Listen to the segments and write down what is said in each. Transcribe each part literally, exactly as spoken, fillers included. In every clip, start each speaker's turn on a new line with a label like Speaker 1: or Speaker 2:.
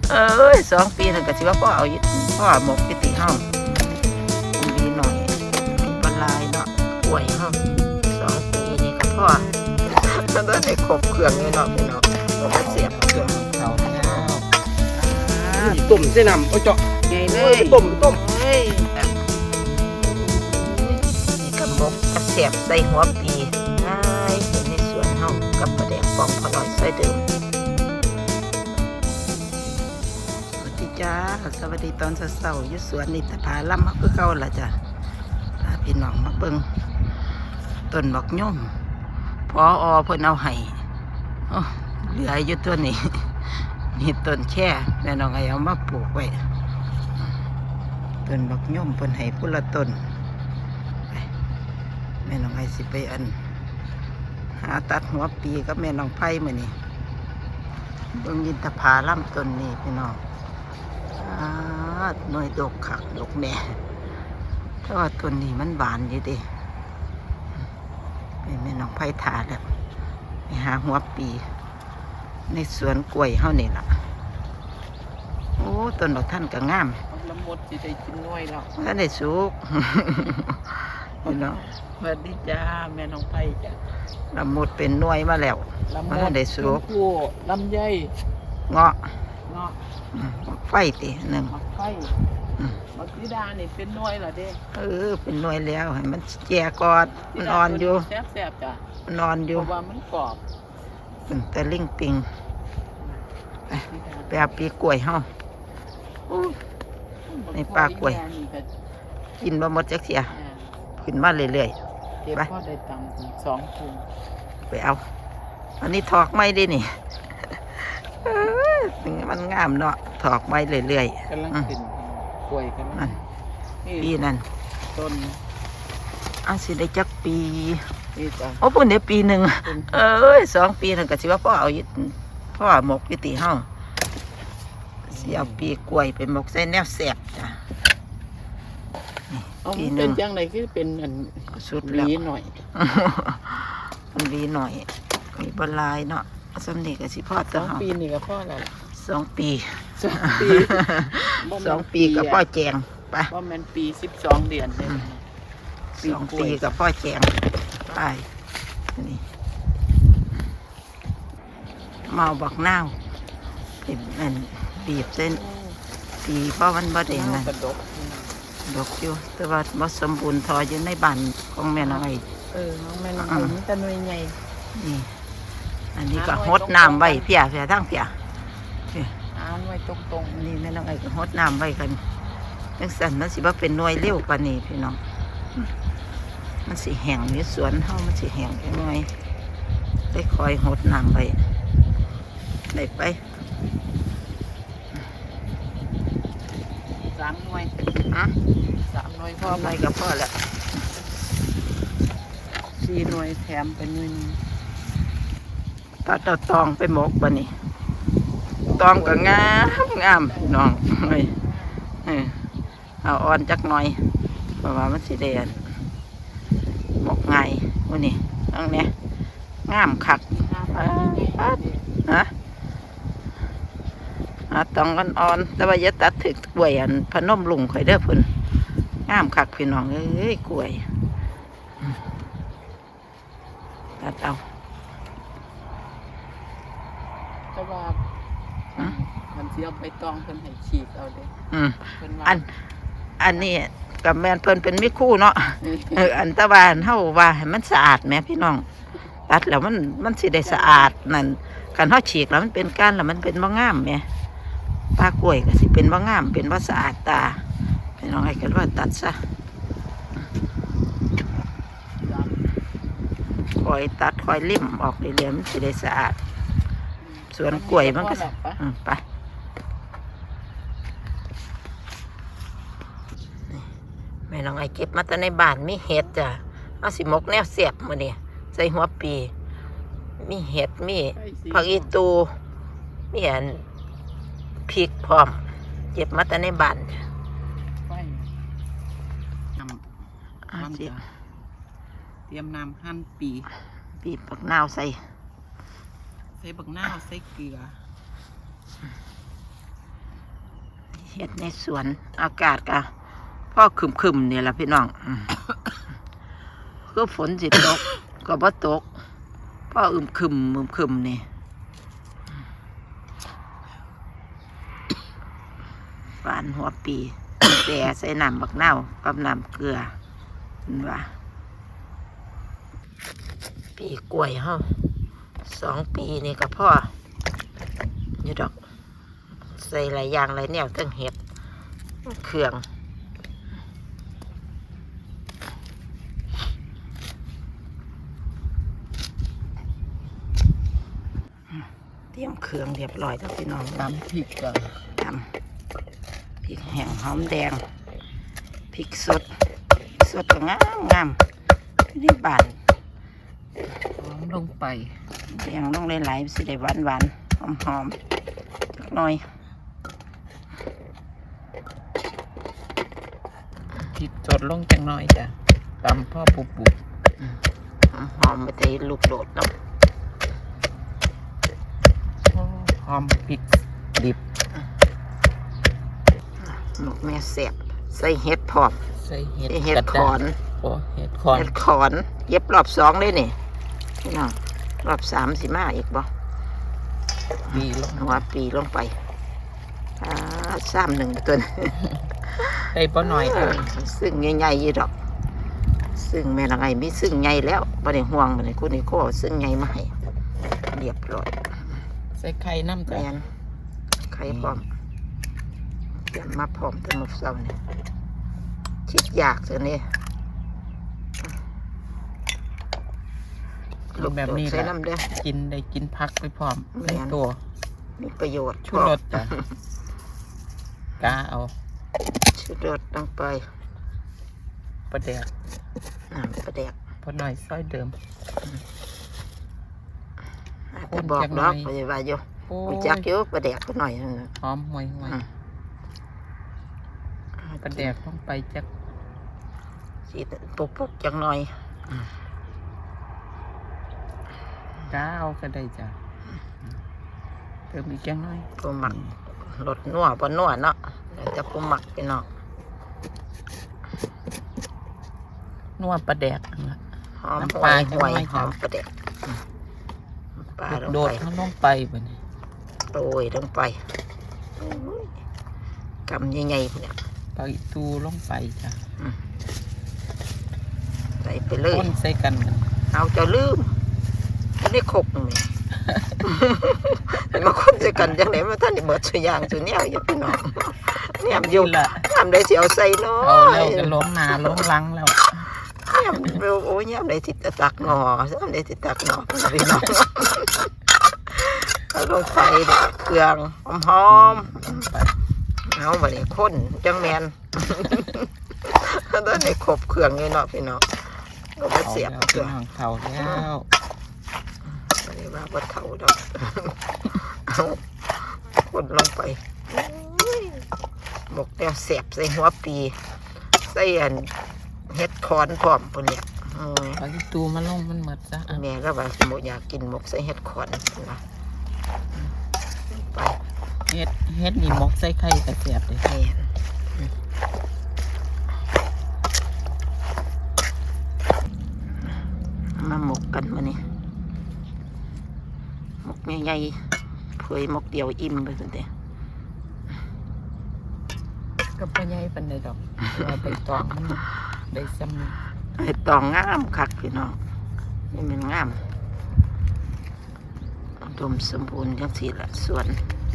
Speaker 1: เอ้ยสองปีนั่นก็สิว่าพ่อเอาอยู่พ่อหมกอยู่ติห้องมีหน่อยมีปลายเนาะป่วยห้องสองปีนี่ก็พ่อมันต้องได้ครบเครื่องเลยเนาะพี่น้องเราก็เสียบเครื่องเขาแล้ว
Speaker 2: ต้มเส้นน้ำเอาเจาะ
Speaker 1: ไงเลย
Speaker 2: ต้มต้ม
Speaker 1: เฮ้ยนี่กระบอกกระเสียบใส่หัวปีง่ายเห็นในสวนห้องกับประเด็กปองพอหน่อยใส่เดิมสวัสดีจ้าสวัสดีตอนเช้าๆอยู่สวนนิตภาลัมมาคือเก่าล่ะจ้ะพาพี่น้องมาเบิ่งต้นบักย่อมพออเพิ่นเอาให้เหลืออยู่ตัวนี้นี่ต้นแค่แม่น้องไอเอามาปลูกไว้ต้นบักย่อมเพิ่นให้พุ่นละต้นแม่น้องไอสิไปอันหาตัดหัวปีกับแม่น้องไผ่มื้อนี้เบิ่งยินตภาลัมต้นนี้พี่น้องหน่วยดกคักดกแน่แต่ว่าต้นนี้มันบานอยู่เด้แม่น้องไผ่ถาแล้วไปหาหัวปีในสวนกล้วยเฮานี่ล่ะโอ้ต้นดอกท่านก็งาม
Speaker 2: ละมดสิได้กินน้อยแล้ว
Speaker 1: ท่านได้สุกพี่น้อง
Speaker 2: สวัสดีจ้าแม่น้องไผ่จ้ะ
Speaker 1: ละมุดเป็นหน่วยมาแล้วมันได้สุก
Speaker 2: ลำไย
Speaker 1: เงาะ
Speaker 2: เงาะ
Speaker 1: ไฟติหนึ่ง
Speaker 2: ไฟมักสีดานี่เป็นหน่วยเหรอเด้
Speaker 1: เออเป็นหน่วยแล้วให้มันแก่กอดมันอ่อนอยู่
Speaker 2: แซ่บๆจ้ะ
Speaker 1: นอนอยู่
Speaker 2: เพราะว่ามันกรอบ
Speaker 1: แต่ลิงปิงไปไปเอาปีกล้วยเฮาในปลากล้วยกินบะหมดจักเสียขึ้นมาเรื่อย
Speaker 2: ๆไปพ่อได้ตังค์สองถุง
Speaker 1: ไปเอาอันนี้ถอกไม้ดินี่มันงามเนาะถอกไม้เรื่อย
Speaker 2: ๆกำลังขึ้นกล้วยกำลัง
Speaker 1: ปีนั่น
Speaker 2: ต้น
Speaker 1: อันสิได้จักปีโอ้เพิ่นได้ปีหนึ่งเอ้ยสองปีนั่นก็สิว่าพ่อเอาอยู่พ่อหมกอยู่ติห้องสิเอาปีกล้วยไปหมกใส่แนวแสบจ้ะ
Speaker 2: ปีหนึ่งเป็นจังไรคือเป็นอัน
Speaker 1: สุด
Speaker 2: ลีหน่อย
Speaker 1: มันลีหน่อยมีบลายเนาะสำเนียกสิพ่อ
Speaker 2: สองปีนี่ก็พ่อแล้ว
Speaker 1: สองปี
Speaker 2: สองปี
Speaker 1: สองปีกับพ่อแจงไป
Speaker 2: เพราะมันปีสิบสองเดือนเลย
Speaker 1: สองปีกับพ่อแจงไปนี่เมาบักนาวเป็นมันบีบเส้นปีเพราะมันบ่ได้นั่นดอกอยู่แต่ว่าบ่สมบูรณ์ทออยู่ในบ้านของแม่น้อย
Speaker 2: เออน้องแม่น้อยมันจะหน่วยใหญ่
Speaker 1: นี่อันนี้ก็หดน้ำไว้เพียเพียทั้งเพีย
Speaker 2: อ่านไว้ตรง
Speaker 1: ๆนี่แม่น้อยก็หดน้ำไว้กันจังซั่นมันสิบ่เป็นหน่วยเร็วปานนี้พี่น้องมันสิแห้งในสวนเฮามันสิแห้งจังหน่อยได้คอยหดน้ำไว้ได้ไป
Speaker 2: สามหน่วย
Speaker 1: ฮะ
Speaker 2: สามหน่วยพ่อ
Speaker 1: ไปกับพ่อแล้ว
Speaker 2: สี่หน่วยแถมเป็นหนึ่ง
Speaker 1: ตัดเอาตองไปหมกบ่นี่ตองก็งามงามน้องเฮ้ยเอาอ่อนจักหน่อยเพราะว่ามันสิแดงหมกไงวันนี้ตั้งเนี้ยงามคักฮะตองกันอ่อนแต่ว่าอย่าตัดถึกกล้วยอันพนมลุงข่อยเด้อเพิ่นงามคักพี่น้องเอ้ยกล้วยตัดเอา
Speaker 2: แต่ว่ามันเสียไปตองเพิ่นให้ฉีกเอาเด้
Speaker 1: อืมอันอันนี้กับแม่นเพิ่นเป็นมิคู่เนาะเอออันตะวันเฮาว่าให้มันสะอาดแม่พี่น้องตัดแล้วมันมันสิได้สะอาดนั่นการเฮาฉีกแล้วมันเป็นก้านแล้วมันเป็นบ่งามแม่ปลากล้วยก็สิเป็นบ่งามเป็นบ่สะอาดตาพี่น้องให้กันว่าตัดซะคอยตัดคอยลิ่มออกเรื่อยๆมันสิได้สะอาดสวนกล้วยมันก็อืมไปแม่น้องไอเก็บมาแต่ในบ้านมีเห็ดจ้ะเอาสิมกแนวเสียบมื้อนี้ใส่หัวปีมีเห็ดมีผักอีตูมีอันพริกพร้อมเก็บมาแต่ในบ้าน
Speaker 2: เตรียมน้ำหั่นปี
Speaker 1: ปีปักนาวใส่
Speaker 2: ใส่บักนาวใส่เกลือ
Speaker 1: เห็ดในสวนอากาศก็พ่อคึมๆนี่แหละพี่น้องอืมคือฝนสิตก ก็บ่ตกพ่ออึมครึมอึมครึมนี่ฝานหัวปีแต่ใส่น้ำบักเน่าวกับน้ำเกลือเห็นว่าปีกล้วยเฮาสองปีนี่ก็พ่ออยู่ดอกใส่หลายอย่างหลายแนวตั้งเห็ดเครื่องเตรียมเครื่องเรียบร้อยแล้วพี่น้อง
Speaker 2: ตำพริกก็
Speaker 1: ตำพริกแห้งหอมแดงพริกสดพริกสดก็งามงามนี่บาน
Speaker 2: หอมลงไป
Speaker 1: แดงลงหลายๆสิได้หวานหวานหอมหอมๆจักหน่อย
Speaker 2: พริกสดลงจังหน่อยจ้ะตำพ่อปุบปุบ
Speaker 1: หอมหอมๆไปแต่ลูกโดดเนาะ
Speaker 2: หอมพริกดิบ
Speaker 1: หมกแม่แสบใส่เห็ดพร้อม
Speaker 2: ใส่เห็ด
Speaker 1: ใส่เห็ด
Speaker 2: กระ
Speaker 1: ข
Speaker 2: ด้า
Speaker 1: อง น
Speaker 2: โอ้เห็ดขอน
Speaker 1: เห็ดขอนเย็บรอบสองเลยนี่พี่น้องรอบสามสิมาอีกบ่
Speaker 2: ดีลง
Speaker 1: หัวปีลงไปอ่าซ้ำหนึ่งตัวนะ
Speaker 2: ได้บ่หน่อยเด้อ
Speaker 1: ซึ่งใหญ่ๆยี่ดอก ซึ่งแม่ละไงมีซึ่งใหญ่แล้วบ่ได้ห่วงบ่ได้คุณนี่ก็ซึ่งใหญ่มาให้เรียบร้อย
Speaker 2: ใส่ไข่น้ำจ้ะ
Speaker 1: แม่นไข่พร้อมเตรียมมาพร้อมแต่หมกเศร้านี่คิดอยากซะนี่
Speaker 2: กินแบบนี้
Speaker 1: ใส่
Speaker 2: แหละ
Speaker 1: น้ำเด้อ
Speaker 2: กินได้กินพักไปพร้อม
Speaker 1: แม่
Speaker 2: ใน
Speaker 1: น
Speaker 2: ตัว
Speaker 1: มีประโยชน์
Speaker 2: ชูรสจ้ะกาเอา
Speaker 1: ชูรสลงไป
Speaker 2: ประเดี๋ยว
Speaker 1: น้ำปลาแดก
Speaker 2: พอหน่อยซอยเดิม
Speaker 1: อาจ
Speaker 2: ค
Speaker 1: จะ
Speaker 2: น
Speaker 1: บอก
Speaker 2: จัง
Speaker 1: ดอก
Speaker 2: หน่อย
Speaker 1: ไปว่าอยู่
Speaker 2: โอ้
Speaker 1: รู้
Speaker 2: ย
Speaker 1: จักอยู่ปลาแดกก็หน่อยนึงนะ
Speaker 2: หอมห่วยห่วย
Speaker 1: อืม
Speaker 2: ประเดี๋ยวลงไปจัก
Speaker 1: สิปุกปุกๆจังหน่อย
Speaker 2: กาเอาก็ได้จ้ะเติมอีกจังหน่อย
Speaker 1: ผู้หมักรสนัวบ่นัวเนาะแล้วจะผู้หมักไปเนาะ
Speaker 2: นัวปลาแดกนั่นล่ะ
Speaker 1: หอม
Speaker 2: น้ำ
Speaker 1: ห
Speaker 2: ป
Speaker 1: ว
Speaker 2: ลา
Speaker 1: ย
Speaker 2: จัง
Speaker 1: หวย
Speaker 2: หน่อย
Speaker 1: หอม
Speaker 2: จ้ะ
Speaker 1: ปลาแดกอืมปลาลง
Speaker 2: โด
Speaker 1: ไป
Speaker 2: ดเขาลงไปบ่นี่
Speaker 1: โรยลงไปโอ้ยกำใหญ่ๆพุ่นเนี่ย
Speaker 2: ปลาอีตูลงไปจ้ะ
Speaker 1: ใส่ไปเลย
Speaker 2: คนใส่กันมัน
Speaker 1: เอาเจะลืมไม่ได้ขกนี่ มาคนจะกันจังไหนมาท่านนี่เบิดสุอยางสุแนวอยู่พี่น้องเนี่ยอยู่
Speaker 2: นี่ล่ะ
Speaker 1: ทำได้เสียวใส่เนาะ
Speaker 2: เอาแล้วก็ล้มหน้าล้มหลังแล้ว
Speaker 1: เนี่ยโอ้ยเนี่ยได้ติดตักหนอเนี่ยได้ติดตักหนอพี่น้องเอาลงไปเครื่องหอม
Speaker 2: ไป
Speaker 1: ๆเอาบัดนี้คนจังแมนตอนนี้ครบเครื่องเลยเนาะพี่น้องก็มา
Speaker 2: เอา
Speaker 1: เสียบ
Speaker 2: แล้ว
Speaker 1: เค
Speaker 2: พี่
Speaker 1: รื่อง
Speaker 2: น้องเท่าแล้ว
Speaker 1: อันนี้ว่าบ่เท่าดอกเอาคนลงไปอุ้ยหมกแนวเสียบใส่หัวปีใส่อันเฮ็ดคอนพร้อมปุ่นเนี่ยอืม
Speaker 2: ปลาอีตูมาลงมันหมดจ้ะ
Speaker 1: แม่ก็ว่าหมกอยากกินหมกใส่เฮ็ดคอนนะไป
Speaker 2: เฮ็ดเฮ็ดนี่หมกใส่ไข่กระเสียบเลย
Speaker 1: แม่นมาหมกกันมานี่หมกใหญ่ๆเผยหมกเดียวอิ่มไปสุดเด้
Speaker 2: ก็บ่ใหญ่ปานใดดอกว่าใบตองมันได้ซ้ำนี่
Speaker 1: ไอ้ตองงามคักพี่น้องนี่มันงามอุดมสมบูรณ์จังสี่ละสวน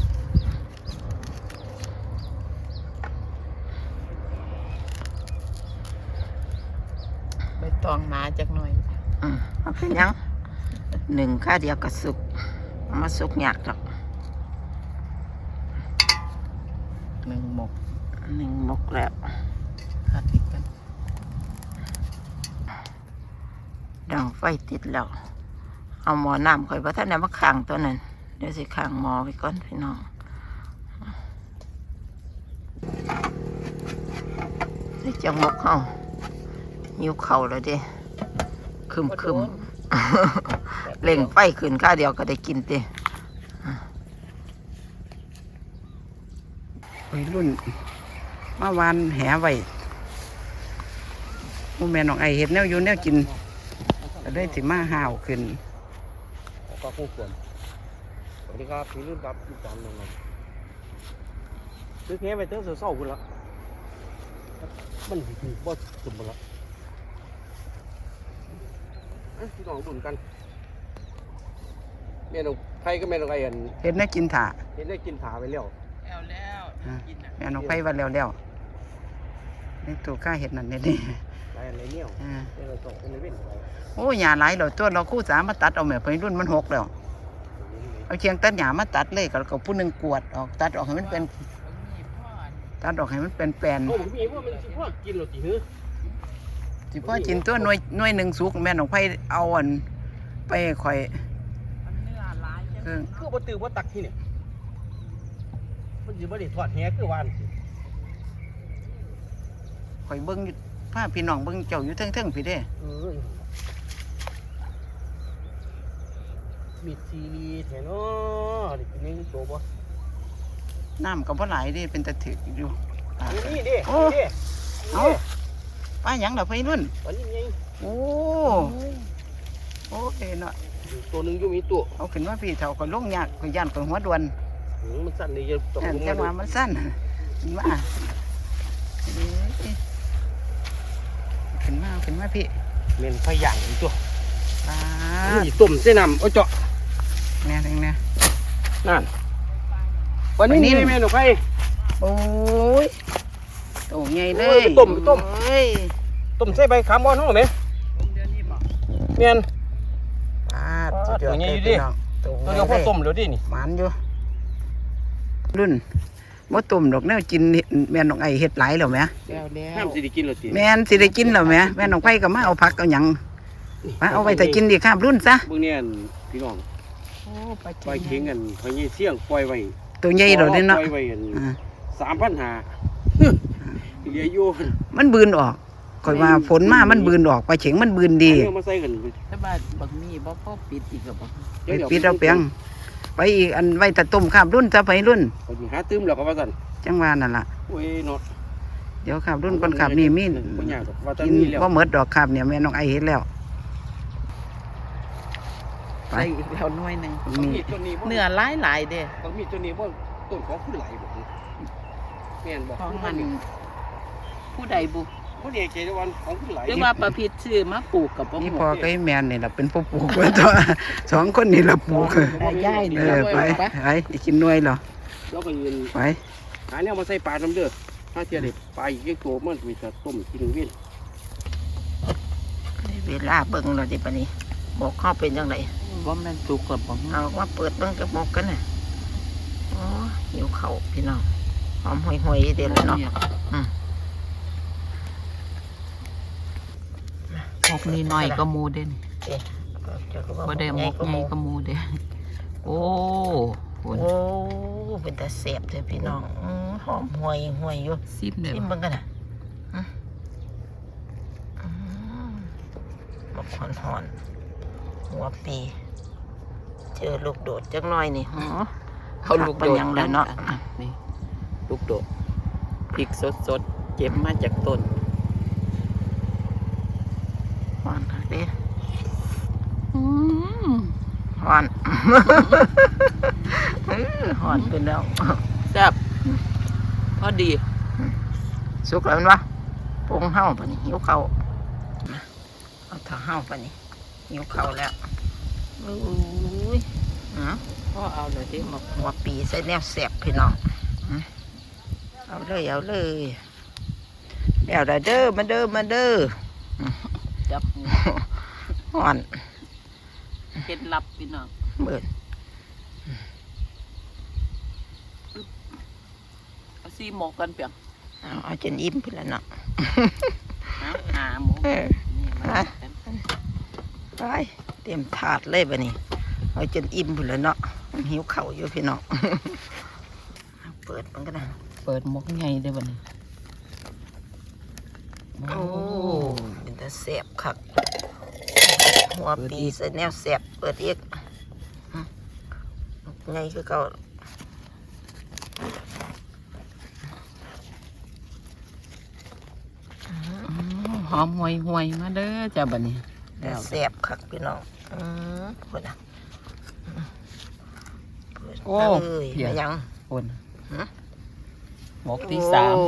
Speaker 2: ใบตองหนาจักหน่อย
Speaker 1: อืมเอาไปยังหนึ่งข้าเดียวก็สุกเอามาสุกยากหรอก
Speaker 2: หนึ่งหมก
Speaker 1: หนึ่งหมกแล้ว
Speaker 2: หัดอีกกัน
Speaker 1: ดังไฟติดแล้ว เอาหมอน้ำข่อยว่าท่านไหนมาขังตัวนั้นเดี๋ยวสิขังหมอไว้ก่อนพี่น้องนี่จังหมกเฮาหิวเข่าวแล้วเด้คึมคึมๆ เล่งไฟขึ้นข้าวเดียวก็ได้กินเต้วัยรุ่นมาวานแหไว้หมู่แม่น้องไอเห็ดแนวอยู่แนวกินก็ได้สิมาห่าวขึ้น
Speaker 3: ก็คู่ควรสวัสดีครับพี่รุ่นครับพี่จอมน้องครับซื้อแค่ไปเติมเศร้าๆคุณละมันถือบ่สุดบ่ละพี่น้องดุนกันแม่น้องไผ่ก็แม่น้องไอ้อัน
Speaker 1: เห็ดแนวกินถ่า
Speaker 3: เห็นได้กินผาไปแล้ว
Speaker 2: แล้วแล้วกินอ่ะ
Speaker 1: แม่น้องไผ่ว่าแล้วแล้วในตัวข้าเห็ดนั่นนี่นี่
Speaker 3: ไรอะไรเนี่ย
Speaker 1: อ่า
Speaker 3: เป็นอะไรตกเป็นอะไรเว้นไป
Speaker 1: โอ้หญ้าหลายแล้วตัวเราคู่สามมาตัดเอาแม่วัยรุ่นมันหกแล้วเอาเชียงตัดหญ้ามาตัดเลยก็ก็ผู้หนึงกวดออกตัดออกให้มันเป็น
Speaker 2: มีพ่อ
Speaker 1: ตัดออกให้มันเป็นแปลน
Speaker 3: โอ้ผมมีว่ามันสิพ่อกินหรอจีหื้อ
Speaker 1: สิพ่อกินตัวหน่วยหน่วยหนึ่งสุกแม่น้องไผ่เอาอันไปข่อย
Speaker 2: มันเนื้อหลายจัง
Speaker 1: คือ
Speaker 3: คือบ่ตื่นบ่ตักที่เนี่ยมันสิบ่ได้ทอดแหคือวานสิ
Speaker 1: ข่อยเบิ้งอยู่พาพี่น้องเบิ้งเจ้าอยู่เทิงๆพี่เด้
Speaker 3: เออมีซีรีส์แถวเนาะได้กินนี่โตบ่
Speaker 1: น้ำก็บ่หลายเด้เป็นตะถึกอยู่อ่า
Speaker 3: นี่ดิ
Speaker 1: โอ้
Speaker 3: นี่ดิ
Speaker 1: เอาป้าหยังดอกพี่รุ่น
Speaker 3: วันนี้ไง
Speaker 1: โอ้โอเคเนาะ
Speaker 3: ตัวหนึงอยู่มีตัว
Speaker 1: เอาขึ้นมาพี่เฒ่าก็ลงยากก็ย่านก็หัวด่วน
Speaker 3: หือมันสั่นเลยจะต้อง
Speaker 1: แต่
Speaker 3: ลง
Speaker 1: จั
Speaker 3: มาง
Speaker 1: หวะมันสั้นมาเอ้ยขึ้นมาขึ้นมาพี่
Speaker 3: เมนไฟย่างอีกตัว
Speaker 1: ป้า
Speaker 3: นี่ต้มเส้นน้ำเอาเจาะ
Speaker 1: แม่ถึงเนี่ย
Speaker 3: นั่นวันนี้
Speaker 1: วันนี้
Speaker 3: นี่แม่หนูไฟ
Speaker 1: โอ้ยโตใหญ่เล
Speaker 3: โอ้
Speaker 1: ย
Speaker 3: ยต้มต้ม
Speaker 1: เอ้ย
Speaker 3: ต้มใส่ใบขามบอนห้องไหม
Speaker 2: ผมเดี๋ยวนี้บอก
Speaker 3: เมียน
Speaker 1: ปาดสุดยอด
Speaker 3: ตัวใหญ่
Speaker 1: เล
Speaker 3: อยู่ดิ
Speaker 1: ยพี่น้องโต
Speaker 3: ตัว
Speaker 1: ให
Speaker 3: เดี
Speaker 1: ญ่
Speaker 3: ยวพอ
Speaker 1: เลย
Speaker 3: ต้มเดี๋ยวดินี่
Speaker 1: หมานอยู่รุ่นบ่ต้มดอกแนวกินแม่นน้องไอเฮ็ดหลายแล้วแหม
Speaker 2: แล้วแล้ว
Speaker 3: ห้ามสิได้กินหรอจี
Speaker 1: แม่นสิได้กินแล้วแหมแม่น้องไผก็มาเอาผักเอาหยังมาเอาไว้แต่กินดีครับรุ่นซะ
Speaker 3: เบื้องนี้พี่น้อง
Speaker 2: โอ้ปลา
Speaker 3: ปล่อยเข็งกันพอยเสี่ยงปล่อยไว้
Speaker 1: ตัวใหญ่ดอกนี่เนาะ
Speaker 3: ปล่อยไว้กัน
Speaker 1: อ่า
Speaker 3: สามพันหาเหลืออยู่
Speaker 1: มันบืนออกข่อยว่าฝนมามันบืนออกปลาเข็งมันบืนดี
Speaker 3: อันนี้เอามาใส่กัน
Speaker 2: ถ้าบ้านบักมีบ่พ่อปิดอีกกับบ่
Speaker 1: ไปปิดเอาเปียงไปอีกอันไว้แต่ต้มครับรุ่นซะไปรุ่น
Speaker 3: เขาสิหาตื้มแล้วก็ว่าสั่น
Speaker 1: จังว่านั่นล่ะ
Speaker 3: โอ้ยเนาะ
Speaker 1: เดี๋ยวครับรุ่นก่อนครับนี่มี
Speaker 3: บ่ยากดอกว่าแต่
Speaker 1: กิน
Speaker 3: มีแล้ว
Speaker 1: บ่หมดดอกครับเนี่ยแม่น้องไอเฮ็ดแล้วไป
Speaker 2: ใส่อีกแล้วหน่วยหนึง
Speaker 3: บาง
Speaker 1: มี
Speaker 3: มีดตัวนี้บ่
Speaker 2: เนื้อหลายหลายๆเด้
Speaker 3: บางมีดตัวนี้บ่ต้นของผู้ไหลบ่แม่นบ่
Speaker 2: ของมันผู้ใดบุ
Speaker 3: บ่ได้ใจวันของผู้ไหล
Speaker 2: หรือว่าประพิษชื่อมาปลูกกับบ่
Speaker 1: นี่
Speaker 2: ฮู้
Speaker 1: พอก็ไอ้แมนนี่ล่ะเป็นผู้ปลูกไว้ตัว สองคนนี่ล่ะปลูก
Speaker 2: ได้ย่ายนี่
Speaker 1: เออไปไปอีกกินหน่วยเหรอ
Speaker 3: แล้วก็ยืน
Speaker 1: ไป
Speaker 3: หาแนวมาใส่ปลาน้ำเด้อถ้าเทียได้ปลาอีกตัวมันมีแต่ต้มกินเวียน
Speaker 1: เวลาเบิ่งเราดิปะนี้บอกเข้าเป็นจังได
Speaker 2: ว่าแม่นปลูกกับบ่ฮู้
Speaker 1: เอามาเปิดเบิ่งกระบอกกันน่ะโอ้หิวข้าวพี่น้องหอมห่วยๆเดี๋ยวเลยเนาะอืม
Speaker 2: หมกนี่น้อยก็หมูเด้น บ่ได้หมกใหญ่ก็หมูเด้โอ้โห
Speaker 1: โอ้เป็นตาแซ่บเลยพี่น้องอื้อหอมห่วยห่วยอยู่
Speaker 2: ซิมเด้อ
Speaker 1: ชิมเบิ่งกันน่ะอื้ออื้อบักหอนหอนๆหัวปี เจอลูกโดดจักหน่อยนี่หือ
Speaker 2: เอาลูกโดด
Speaker 1: เป็นหยังแล้วเนาะ
Speaker 2: นี่ลูกโดดพริกสดๆเก็บมาจากต้น
Speaker 1: หอนคักเด้หอน เออหอนเป็นแล้ว
Speaker 2: แซ่บพอดี
Speaker 1: สุกแล้วแมันวะปรุงเห่าปะนี่หิวเขาวมาเอาเถาเห่าปะนี่หิวเขาวแล้วอุ้ยอ๋อ
Speaker 2: พ่อเอาเลยที่หมก
Speaker 1: หัวปีใส่แนวแสบพี่น้องอื้อเอาเลยเอาเลยเดี๋ยวได้เด้อมาเด้อมาเด้อ
Speaker 2: จับ
Speaker 1: หอน
Speaker 2: เคล็ดลับพี่น้อง
Speaker 1: เบิด
Speaker 2: เอาซีหมกกันเปียง
Speaker 1: เอาเอาจนอิ่มพี่ละเนาะ
Speaker 2: หาหาหมู
Speaker 1: เออ
Speaker 2: นี่มากัน
Speaker 1: ไปเตรียมถาดเลยบะนี่เอาจนอิ่มพุ่นแล้วเนาะหิวเข่าวอยู่พี่น้อง เอาเปิดมันก็ได้
Speaker 2: เปิดหมกใหญ่เด้อบัดนี้
Speaker 1: โอ้เป็นตาแสบคักหัวปีใส่แนวแสบเปิดอีกไงคือเก่า
Speaker 2: หอมห่วยห่วยๆมาเด้อจ้าบัดนี้
Speaker 1: แต่แซ่บคักพี่น้องอือพุ่นน่ะโอ้ยมายัง
Speaker 2: คน
Speaker 1: ฮะ
Speaker 2: หมกที่สาม
Speaker 1: โอ้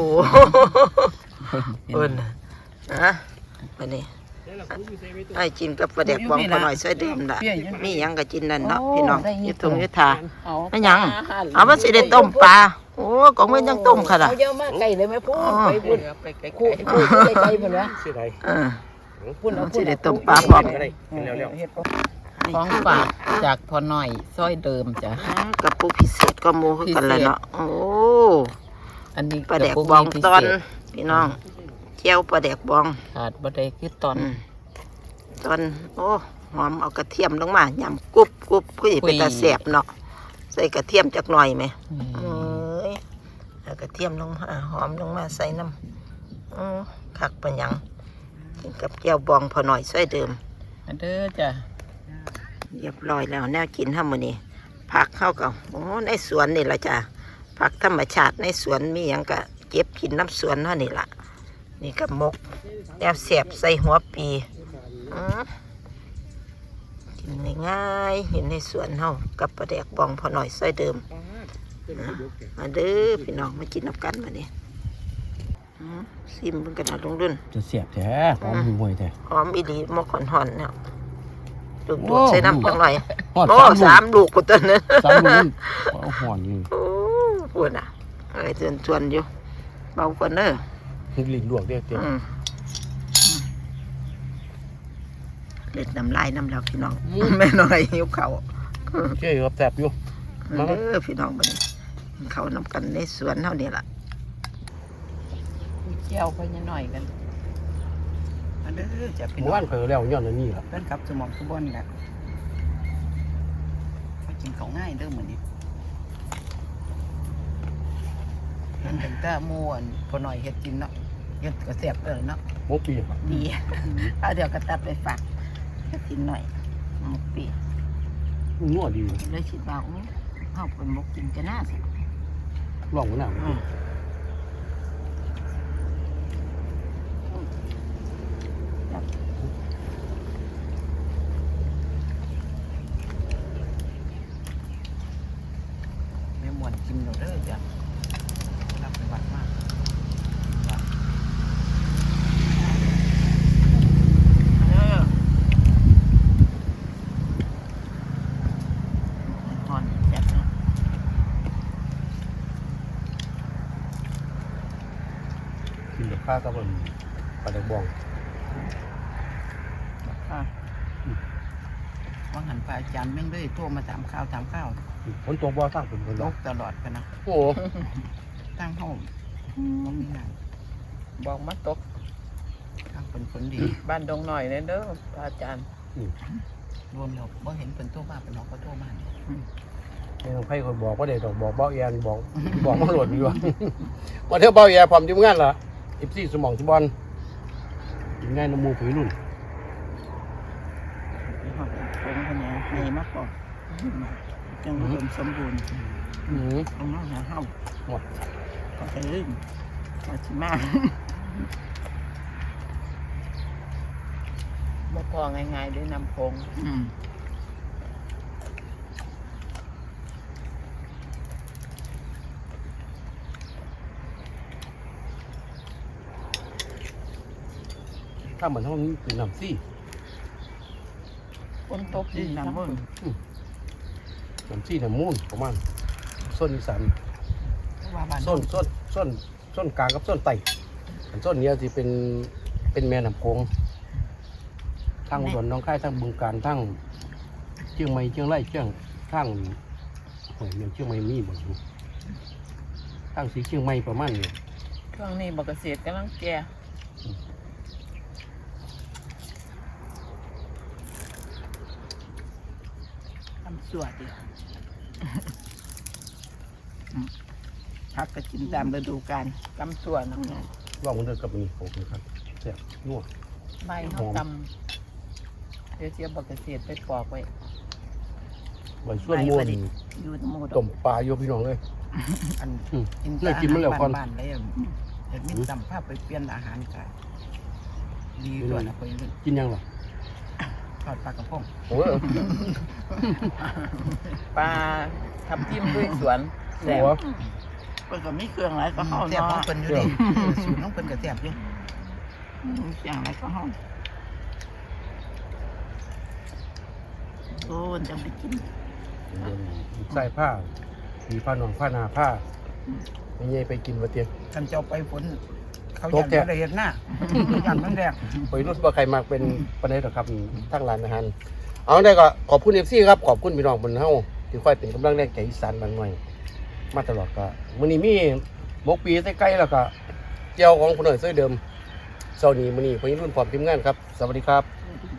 Speaker 1: พุ่นฮะบัดนี้ไอ้กินกับปลาแดกบองพอหน่อยซอยเดิมล่ะมีหยังก็กินนั่นเนาะพี่น้องอยู่ตรงอยู่ทาไม่หยังเอาว่าสิได้ต้มปลาโอ้ก็ไม่ยังต้มค่ะล่ะ
Speaker 2: เอาเยอะมากไก่เลยไหมพูดไปพูดไปไกลๆพูดไกลๆเพิ่นว่า
Speaker 3: เสียดาย
Speaker 1: เออ
Speaker 2: พูดเอาพู
Speaker 1: สิ
Speaker 2: ด
Speaker 1: ได้ต้มปลาพร้อม
Speaker 3: อะไรกินแล้ว
Speaker 2: เฮ็ดของฝากจากพอหน่อยซอยเดิมจ้ะ
Speaker 1: กับปูพิเศษก็หมูคือกันเลยเนาะโอ้
Speaker 2: อันนี้
Speaker 1: ปลาแดกบองตอนพี่น้องเจียวปลาแดกบอง
Speaker 2: ขาดบ่ได้คือตอน
Speaker 1: อืมตอนโอ้หอมเอากระเทียมลงมายำกรุบกรุบคือสิเป็นตาแสบเนาะใส่กระเทียมจักหน่อยไหมเอ้ยเอากระเทียมลงมาหอมลงมาใส่น้ำอือคักปัญญังกินกับเจียวบองพอหน่อยช่วยเดิม
Speaker 2: อันเด้อจ้ะ
Speaker 1: เรียบร้อยแล้วแนวกินทั้งหมดนี้ผักเข้ากับโอ้ในสวนนี่ละจ้ะผักธรรมชาติในสวนมีอย่างกะเก็บกินน้ำสวนเท่านี่ละนี่กับมกแนวเสียบใส่หัวปีอื้อกินง่ายๆเห็นในสวนเฮากับปลาแดกบองพอหน่อยใส่เดิมนะมาเด้อพี่น้องมากินน้ำกันมาเนี่ยซิมเพิ่งกันเอาลงรุ่น
Speaker 3: จะเสียบแท้หอมห่วยแท้
Speaker 1: หอมอีหลีมกหอนๆเนี่ยดูดๆใส่น้ำจังหน่อย
Speaker 3: หอด
Speaker 1: โอ้
Speaker 3: สาม
Speaker 1: สามลูกกูตัวนั้น
Speaker 3: สามลูกเอาหอนอยู่
Speaker 1: โอ้ปวดอ่ะเอ้ยเตือนชวนอยู่เบากว่าเนอะ
Speaker 3: ลิ้นลวกเด้อเต็ม
Speaker 1: อืมเล็ดน้ำลายน้ำแล้วพี่น้องแม่น้อยหิวเขาว
Speaker 3: เชื่อครับแซ่บอยู่
Speaker 1: เด้อพี่น้องบัดนี้กินเขาวน้ำกันในสวนเท่านี้ล่ะ
Speaker 2: เจียวไปนิดหน่อยกันอันเด้อจ้ะพี่
Speaker 3: เมื่
Speaker 2: น้
Speaker 3: อ
Speaker 2: อ
Speaker 3: วาง นเคยแล้วย้อนอันนี้ล่ะ
Speaker 2: เพิ่นขับสมองสมบัติแหละเขากินเขาง่ายเด้อเหมือนนี้เห็นเป็นแต่หมูอันพอหน่อยเฮ็ดกินเนาะเฮ็ดก็แซ่บเลยเนาะ
Speaker 3: หมกปีครับ
Speaker 1: ดีเอาเดี๋ยวก็ตัดไปฝากให้กินหน่อยหมกปี
Speaker 3: นัวดี
Speaker 1: เลยคิดว่าอู้เอาเป็นหมกกินจะน่าสิ
Speaker 3: ลองมันหน่อย
Speaker 2: แม่มวนกินเราเด้อจ้ะรับไปวัดมากวัดเออทอนแซ่บเนาะ
Speaker 3: กินกับข้าวกับมันปลาแดกบอง
Speaker 2: ค่ะว่าหันไปอาจารย์แม่งเลยโทรมาถามข้าวถามข้าว
Speaker 3: ฝนตกบ่สร้างฝนฝน
Speaker 2: ล
Speaker 3: ตก
Speaker 2: กตลอดกันนะ
Speaker 3: โอ้
Speaker 2: ตั้งห้องบ่มีงานบอกมาตกทางเป็นผลดี บ้านดงหน่อยเลยเด้อพระอาจารย์รวมเราบ่เห็นเป็นตัวบ้าเป็นน้องก็โทรมาเนี่ย
Speaker 3: ไม่ต้องให้คนบอกว่าเด็กต้องบอกเบ้าแอนบอกบอกมาโหลดอยู่ว่าว่าเท่าเบ้าแอนพร้อมทีมงานล่ะอีซี่สมองสมบอลกินง่ายน้ำมูกผืนรุ่น
Speaker 1: ผมคนนี้ให้มากกว่าจังอุดมสมบูรณ์
Speaker 3: อืม
Speaker 1: เอามาหาเฮา
Speaker 3: หมด
Speaker 1: ก็จะลื่นก็สิมา
Speaker 2: บ่พอง่ายๆด้วยนำโพง
Speaker 1: อืม
Speaker 3: ถ้าเหมือนห้องนี้เป็นน้ำซี่
Speaker 2: ฝนตกดินน้ำมัน
Speaker 3: น้ำซี่น้ำมูนประมาณส้นอีสาน
Speaker 2: ว่าบ้าน
Speaker 3: ส้นส้นส้นส้นกลางกับส้นไต่อันส้นเนี้ยที่เป็นเป็นแม่น้ำโขงทั้งอุดรหน้องค่ายทั้งบึงกาฬทั้งเชียงใหม่เชียงรายเชียงทั้งหอยเมียงเชียงใหม่มีบ่อยู่ทั้งสีเชียงใหม่ประมาณนี้
Speaker 2: ช่วงนี้บักเกษตรกำลังแก่ทำสวดดิ
Speaker 1: พักก็กินตามฤดูกาล
Speaker 2: ทำสวดน้อง
Speaker 3: ว่ามันเดินกับมีโขงครับแซ่บนัว
Speaker 2: ใบเขาตำเดี๋ยวเสียบักเกษตรไปปอกไว้
Speaker 3: ใบส่วนม่วน
Speaker 1: อยู่ทั้งหมด
Speaker 3: ต้มปลาโยพี่น้องเลย
Speaker 2: อัน
Speaker 3: อืม
Speaker 2: กิน
Speaker 3: ได้กินมาแล้วก่อน
Speaker 2: บ้านๆเลยอะเห็ดมีตำภาพไปเปลี่ยนอาหารกันดีด้วยนะไปรุ่น
Speaker 3: กินยังหรอ
Speaker 2: ทอดปลากระพง
Speaker 3: โอ้ย
Speaker 2: ปลาทับทิมด้วยสวนแซ่บ
Speaker 3: หัว
Speaker 1: เพิ่นก็มีเครื่องหลายก็เฮา
Speaker 2: แซ่บของ
Speaker 1: เนาะ
Speaker 2: เพิ่นอยู่ดิสูตรของเพิ่นก็แซ่บอยู่
Speaker 1: มีเครื่องหลายก็เฮาโอ้นจังไปกิน
Speaker 3: ใส่ผ้ามีผ้าหนองผ้านาผ้าไม่ใช่ไปกินมาเตียง
Speaker 2: ท่านเจ้าไปฝนเขาอยากได้เห็นหน้าอยากมันแดง
Speaker 3: ไปรุ่นว่าใครมากเป็นประเด็นหรอกครับทั้งร้านอาหารเอาได้ก็ขอบคุณเอฟซีครับขอบคุณพี่น้องบนเฮาที่ค่อยเป็นกำลังแรงใจอีสานบางหน่อยมาตลอดก็มื้อนี้มีหมกปีใกล้ๆแล้วก็เจียวของคนหน่อยเสื้อเดิมเช้านี้มื้อนี้พี่รุ่นพร้อมทีมงานครับสวัสดีครับ
Speaker 1: สวัสดี